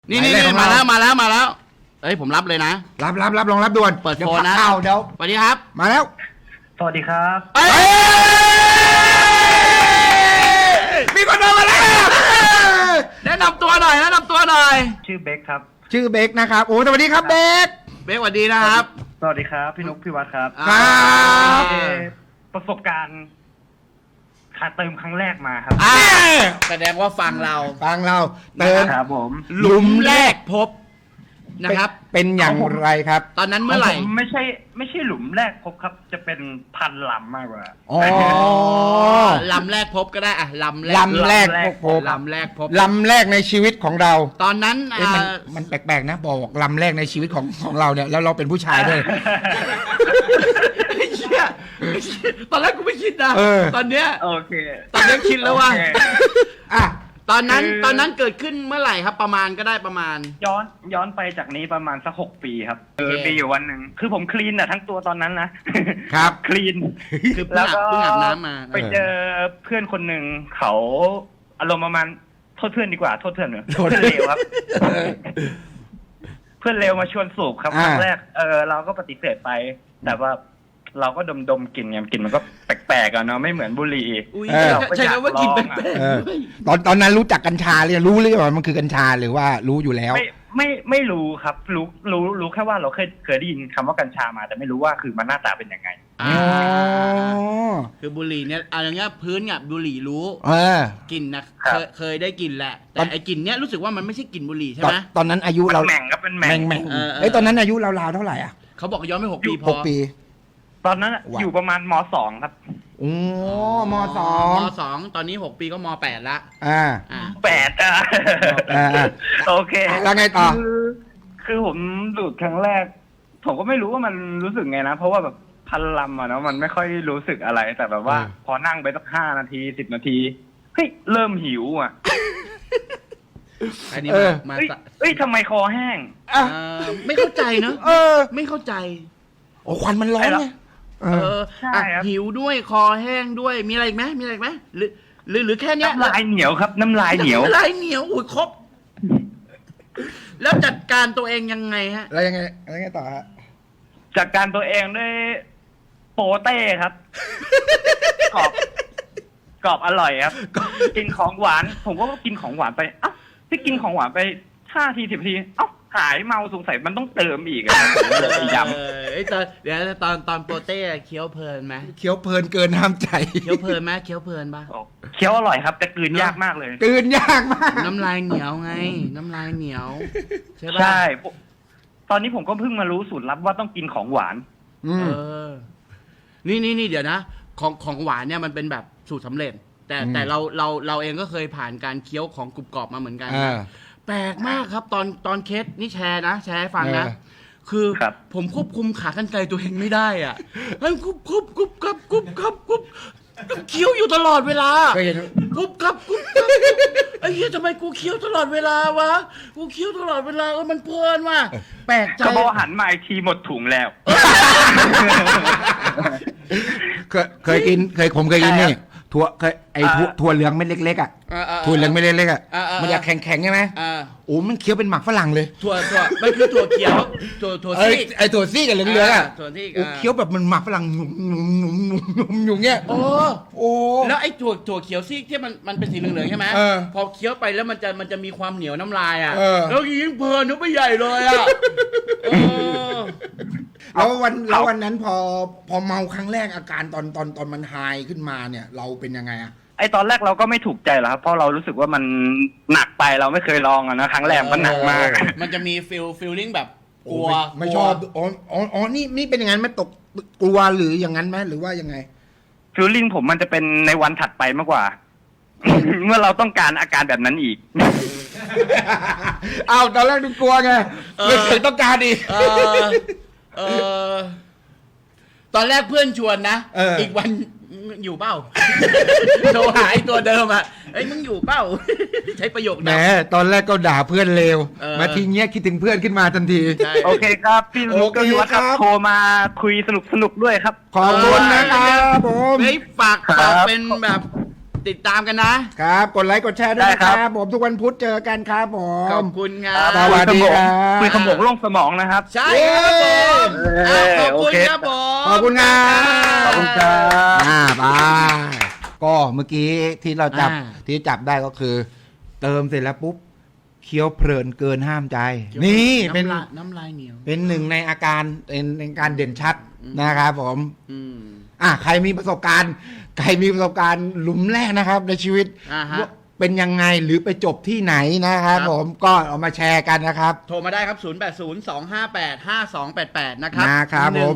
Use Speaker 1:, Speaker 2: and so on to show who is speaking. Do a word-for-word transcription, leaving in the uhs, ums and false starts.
Speaker 1: นี่นี่นี่มาแล้วมาแล้วมาแล้วเอ้ยผมรับเลยนะ
Speaker 2: รับรับรับลองรับด่วน
Speaker 1: เปิดโฟนนะ
Speaker 2: ข่าวเดี๋ยว
Speaker 1: สวัสดีครับ
Speaker 2: มาแล้ว
Speaker 3: สวัสดีครับ
Speaker 1: เอ้ย
Speaker 2: มีคนมาแล้ว
Speaker 1: แนะนำตัวหน่อยแนะนำตัวหน่อย
Speaker 3: ชื่อเบคครับ
Speaker 2: ชื่อเบคนะครับโอ้สวัสดีครับเบค
Speaker 1: เบคสวัสดีนะครับ
Speaker 3: สวัสดีครับพี่นุ๊กพี่วัดครับ
Speaker 1: อ่า
Speaker 2: ครับ
Speaker 3: เอ่อประสบการณ์ขาดเติมครั้งแรกมาครับ
Speaker 1: อ่าแสดงว่าฟังเรา
Speaker 2: ฟังเราเติม
Speaker 3: ครับผม
Speaker 1: หลุมแรกพบนะครับ
Speaker 2: เป็นอย่างไรครับ
Speaker 1: ตอนนั้นเมื่อไหร่
Speaker 3: ของผไม่ใช่ไม่ใช่หลุมแรกพบครับ จะเป็นพันลำมากกว่า
Speaker 2: อ๋อ
Speaker 1: ลำแรกพบก็ได้อะลำแรก
Speaker 2: ลำแรกพบพบ
Speaker 1: ลำแรกพบ
Speaker 2: ลำแรกในชีวิตของเรา
Speaker 1: ตอนนั้น
Speaker 2: เอ๊ะมัน
Speaker 1: อ่า
Speaker 2: มันแปลกๆนะบอกลำแรกในชีวิตของของเราเนี่ยแล้วเราเป็นผู้ชายด้วย
Speaker 1: ไอ้เหี้ยตอนแรกกูไม่คิดนะ
Speaker 2: เออ
Speaker 1: ตอนเนี้ย
Speaker 3: โอเค
Speaker 1: ตอนนี้คิดแล้วว่า
Speaker 3: โอเค
Speaker 2: อ่ะ
Speaker 1: ตอนนั้น
Speaker 3: คือ
Speaker 1: ตอนนั้นเกิดขึ้นเมื่อไหร่ครับประมาณก็ได้ประมาณ
Speaker 3: ย้อนย้อนไปจากนี้ประมาณสักหกปีครับเออ
Speaker 1: โอเค
Speaker 3: มีอยู่วันหนึ่งคือผมคลีนอะทั้งตัวตอนนั้นนะครับ คลีน
Speaker 1: คือเพิ่งอาบเพิ่งอาบน้ำมา
Speaker 3: ไปเจอเพื่อนคนหนึ่งเขาอารมณ์ประมาณโทษเพื่อนดีกว่าโทษเพื่อนเหรอ
Speaker 2: โทษ
Speaker 3: เพื่อนเลวครับ เพื่อนเลวมาชวนสูบครับค
Speaker 2: อ่า
Speaker 3: รั้งแรกเออเราก็ปฏิเสธไป แต่ว่าเราก็ดมดมๆกลิ่นไงกลิ่นมันก็แปลกๆอะเนาะไม่เหมือนบุหรี่
Speaker 1: อุ้ย
Speaker 2: เออ
Speaker 1: ใช่คำว่ากินแปลก
Speaker 2: เออ
Speaker 1: ๆด้วย
Speaker 2: ตอนตอนนั้นรู้จักกัญชาเลยรู้เลยว่ามันคือกัญชาหรือว่ารู้อยู่แล้ว
Speaker 3: ไม่ไม่ไม่รู้ครับ รู้รู้รู้แค่ว่าเราเคยเคยได้ยินคำว่ากัญชามา แต่ไม่รู้ว่าคือมันหน้าตาเป็นยังไง
Speaker 1: อ่า
Speaker 2: อ๋อ
Speaker 1: คือบุหรี่เนี่ยอะไรเงี้ยพื้นเนี่ยบุหรี่รู้
Speaker 2: เออ
Speaker 1: กลิ่นนะ
Speaker 3: ครั
Speaker 1: เค
Speaker 3: บ
Speaker 1: ยเคยได้กลิ่นแหละ
Speaker 2: ต
Speaker 1: แต่
Speaker 2: อน
Speaker 1: ไอ้กลิ่นเนี้ยรู้สึกว่ามันไม่ใช่กลิ่นบุหรี่ใช่
Speaker 2: ตอน
Speaker 1: ไหม
Speaker 2: ตอนนั้นอายุ
Speaker 3: มัน
Speaker 2: เรา
Speaker 3: แหม่งครับเป็นแหม่
Speaker 2: แม่
Speaker 3: ง
Speaker 2: งแม่ง
Speaker 1: เออเออ
Speaker 2: เอ้ยตอนนั้นอายุราวๆเท่าไหร่อ่ะ
Speaker 1: เขาบอกย้อนไปหกปีพ
Speaker 2: ห
Speaker 1: อก
Speaker 2: ปี
Speaker 3: ตอนนั้นอะ
Speaker 2: ว้าว
Speaker 3: อยู่ประมาณมสองครับ
Speaker 2: โอ้มสอง
Speaker 1: มสองตอนนี้หกปีก็มแปดละ
Speaker 2: อ่า
Speaker 1: อ่า
Speaker 3: แปดอะ
Speaker 2: อ่าอ่า
Speaker 3: โอเค
Speaker 2: แล้วไงต่อ
Speaker 3: คือคือผมดูดครั้งแรก ผมก็ไม่รู้ว่ามันรู้สึกไงนะ เพราะว่าแบบพันลำอะเนาะมันไม่ค่อยรู้สึกอะไร แต่แบบว่า
Speaker 2: อืม
Speaker 3: พอนั่งไปสักห้านาทีสิบนาทีเฮ้ยเริ่มหิวอ่ะ
Speaker 1: อันนี้
Speaker 2: เอ
Speaker 1: มา
Speaker 2: อ
Speaker 1: มา
Speaker 3: เฮ้ยเฮ้ยทำไมคอแห้ง
Speaker 2: อ่ะ
Speaker 1: เออไม่เข้าใจเนอะ
Speaker 2: เออ
Speaker 1: ไม่เข้าใจ
Speaker 2: โอ้ควันมันร้อนไงเอ
Speaker 1: เอ
Speaker 2: อ
Speaker 1: อ
Speaker 3: ใช่
Speaker 1: อ่ะ
Speaker 3: ครับ
Speaker 1: หิวด้วยคอแห้งด้วยมีอะไรอีกไหมมีอะไรอีกไหมหรือหรือหรือแค่เนี้ย
Speaker 3: น้ำลายเหนียวครับ น้ำลายเหนียว
Speaker 1: น้ำลายเหนียวอุ้ยครบ แล้วจัดการตัวเองยังไงฮะ
Speaker 2: แล้วยังไงแล้วยังไงต่อฮะ
Speaker 3: จากการตัวเองด้วยโปเต้ครับ กรอบกรอบอร่อยครับ กินของหวาน ผมก็กินของหวานไปเอ้าที่กินของหวานไปห้าทีสิบทีเอ้าหายเมาสงสัยมันต้องเติมอีกอะผมก็เลยไปย้
Speaker 1: เออไอยตอนเดี๋ยวตอนตอนโปรเต้เคี้ยวเพลินไหม
Speaker 2: เคี้ยวเพลินเกินห้ามใจ
Speaker 1: เคี้ยวเพลินไหมเคี้ยวเพลินปะ
Speaker 3: ำเคี้ยวอร่อยครับ แต่กลืนยากมากเลย
Speaker 2: ตื่นยากมาก
Speaker 1: น้ำลายเหนียวไง น้ำลายเหนียวใช่ปะ
Speaker 3: ใช่ ตอนนี้ผมก็เพิ่งมารู้สูตรลับว่าต้องกินของหวาน
Speaker 2: อืม
Speaker 1: เออ นี่นี่นี่เดี๋ยวนะ ของของหวานเนี่ยมันเป็นแบบสูตรสำเร็จ แต่
Speaker 2: อืม
Speaker 1: แต่เราเราเราเองก็เคยผ่านการเคี้ยวของกรุบกรอบมาเหมือนกัน
Speaker 2: อ่า
Speaker 1: นะแปลกมากครับ ตอนตอนเคสนี่แชร์นะแชร์ให้ฟังนะ
Speaker 2: เออ
Speaker 1: คือ
Speaker 3: ครับ
Speaker 1: ผมควบคุมขากรรไกรตัวเองไม่ได้อ่ะมันกุบกุบกุบกับกุบกับกุบเคี้ยวอยู่ตลอดเวลา
Speaker 2: เคยเห็น
Speaker 1: กุบกับกุบกับไอ้เหี้ยทำไมกูเคี้ยวตลอดเวลาวะกูเคี้ยวตลอดเวลาเออมันเพลินว่ะแปลกใจ
Speaker 3: ก็พอหันมาอีกทีหมดถุงแล้ว
Speaker 2: เคยเคยกินเคยผมเคยกินนี่ถั่วเคยไอ้ถั่ว
Speaker 3: อ่า
Speaker 2: ถั่วเหลืองเม็ดเล็กๆอ่ะ
Speaker 1: เออเออ
Speaker 2: ถั่วเหลืองเม็ดเล็กๆอ่ะ
Speaker 1: เออเออ
Speaker 2: มันจะแข็งๆใช่ไหม
Speaker 1: อ่า
Speaker 2: โอ้มันเคี้ยวเป็นหมักฝรั่งเลย
Speaker 1: ถั่วถั่วมันคือถั่วเขียวถั่วถั่ว
Speaker 2: เอ้ย
Speaker 1: ซีก
Speaker 2: ไอ้ถั่วซี่กับเหลืองๆอ่ะ
Speaker 1: ถั่วซีก
Speaker 2: โอ้เคี้ยวแบบมันหมักฝรั่งหนุ่มๆๆๆๆอยู่เงี้ย
Speaker 1: โอ้
Speaker 2: โอ้
Speaker 1: แล้วไอ้ถั่วถั่วเขียวซีกที่มันมันเป็นสีเหลืองๆใช่ไหม
Speaker 2: เออ
Speaker 1: พอเคี้ยวไปแล้วมันจะมันจะมีความเหนียวน้ำลายอ่ะ
Speaker 2: เออ
Speaker 1: แล้วยิ่งเพลินนึกไปใหญ่เลยอ่ะเออ
Speaker 2: แล้ววันแล้ววันนั้นพอพอเมาครั้งแรกอาการตอนตอนตอนมันไฮขึ้นมาเนี่ย เราเป็นยังไงอ่ะ
Speaker 3: ไอตอนแรกเราก็ไม่ถูกใจหรอกครับ เพราะเรารู้สึกว่ามันหนักไปเราไม่เคยลองอะนะครั้งแรกมันหนักมาก
Speaker 1: มันจะมีฟิลฟิลลิ่งแบบกลัว
Speaker 2: โอ้ไม่ไม่ชอบอ๋ออ๋ออ๋อนี่นี่เป็นอย่างนั้นไหมตกกลัวหรืออย่างนั้นไหมหรือว่ายังไง
Speaker 3: ฟิลลิ่งผมมันจะเป็นในวันถัดไปมากกว่า เมื่อเราต้องการอาการแบบนั้นอีก
Speaker 2: อ้าวตอนแรกดูกลัวไงไม่เคยต้องการอีก
Speaker 1: เออเออตอนแรกเพื่อนชวนนะ
Speaker 2: เอออี
Speaker 1: กวันอยู่เป้า โทรหาไอ้ตัวเดิมอ่ะเอ้ยมึงอยู่เป้า ใช้ประโยค
Speaker 2: แหม
Speaker 1: นั้น
Speaker 2: ตอนแรกก็ด่าเพื่อนเลว
Speaker 1: เออ
Speaker 2: มาทีเงี้ยคิดถึงเพื่อนขึ้นมาทันที
Speaker 1: ใช่
Speaker 3: โอเคครับพี่นุ๊ก
Speaker 2: โอเค
Speaker 3: พี่วัดครับ
Speaker 2: ครับ
Speaker 3: โทรมาคุยสนุกสนุกๆด้วยครับ
Speaker 2: ขอบคุณนะครับผม
Speaker 1: เฮ้ยฝาก
Speaker 3: ครับ
Speaker 1: ฝากเป็นแบบติดตามกันนะครับ
Speaker 2: กดไลค์กดแชร์ด้วย
Speaker 3: ได้
Speaker 2: นะ
Speaker 3: ค
Speaker 2: ค
Speaker 3: รั
Speaker 2: รับ บผมทุกวันพุธเจอกันครับผ
Speaker 1: ขอ
Speaker 2: ม
Speaker 1: บคุณครั
Speaker 2: ครับ บ สวัสดีครับ
Speaker 3: คุยขโมงโล่งสมองนะครับ
Speaker 1: ใช่ครับผม
Speaker 3: เย้
Speaker 1: อ่ะขอบคุณ
Speaker 3: โอเค
Speaker 1: ครับผม
Speaker 2: ขอบคุณครับ
Speaker 3: ขอบคุณครับ
Speaker 2: อ่าไปก็เมื่อกี้ที่เราจับ
Speaker 1: อ่า
Speaker 2: ที่จับได้ก็คือ เติมเสร็จแล้วปุ๊บเคี้ยวเพลินเกินห้ามใจ นี่เป็น
Speaker 1: ำลายน้ำลายเหนียว
Speaker 2: เป็นหนึ่งในอาการเป็นในการเด่นชัดนะครับผม
Speaker 1: อืม
Speaker 2: อ่ะใครมีประสบการณ์ใครมีประสบการณ์หลุมแรกนะครับ ในชีวิต
Speaker 1: อ่าฮะ
Speaker 2: ว่าเป็นยังไงหรือไปจบที่ไหนนะครับ
Speaker 1: ครับ
Speaker 2: ผมก็เอามาแชร์กันนะครับ
Speaker 1: โทรมาได้ครับ ศูนย์ แปด ศูนย์ สอง ห้า แปด ห้า สอง แปด แปด นะครับ
Speaker 2: นะครับผม